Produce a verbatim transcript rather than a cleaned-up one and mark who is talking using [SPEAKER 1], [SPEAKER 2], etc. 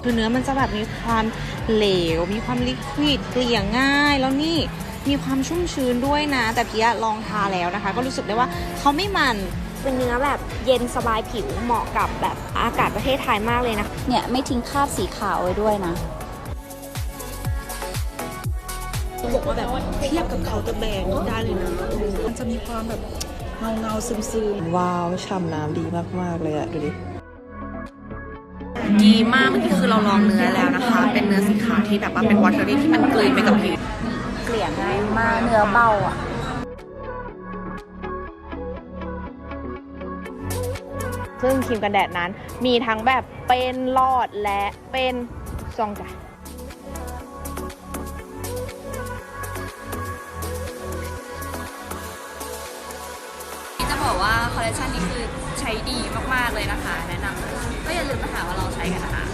[SPEAKER 1] คือเนื้อมันจะแบบมีความเหลวมีความลิควิดเกลี่ยง่ายแล้วนี่มีความชุ่มชื้นด้วยนะแต่พี่ลองทาแล้วนะคะก็รู้สึกได้ว่าเขาไม่มันเป็นเนื้อแบบเย็นสบายผิวเหมาะกับแบบอากาศประเทศไทยมากเลยนะ
[SPEAKER 2] เนี่ยไม่ทิ้งคราบสีขาวไว้ด้วยนะ
[SPEAKER 3] บอกว่าแบบเทียบกับเคาน์เตอร์แบรนด์ได้เลยนะมันจะมีความแบบเงาเงาซึมซึม
[SPEAKER 4] ว้าวฉ่ำน้ำดีมากๆเลยอะดูดิ
[SPEAKER 1] ดีมากเมื่อกี้คือเราลองเนื้อแล้วนะคะเป็นเนื้อสีขาวที่แบบว่าเป็นวอเตอรี่ที่มันกลืนไปกับผิว
[SPEAKER 2] เกลี่ยง่ายมากเนื้อเบาอ่ะ
[SPEAKER 1] ซึ่งครีมกันแดดนั้นมีทั้งแบบเป็นหลอดและเป็นซองจ้ะ
[SPEAKER 2] จะบอกว่าคอลเลคชันนี้คือใช้ดีมากๆเลยนะคะแนะนำเลยก็อย่าลืมมาหาว่าเราใช้กันนะคะ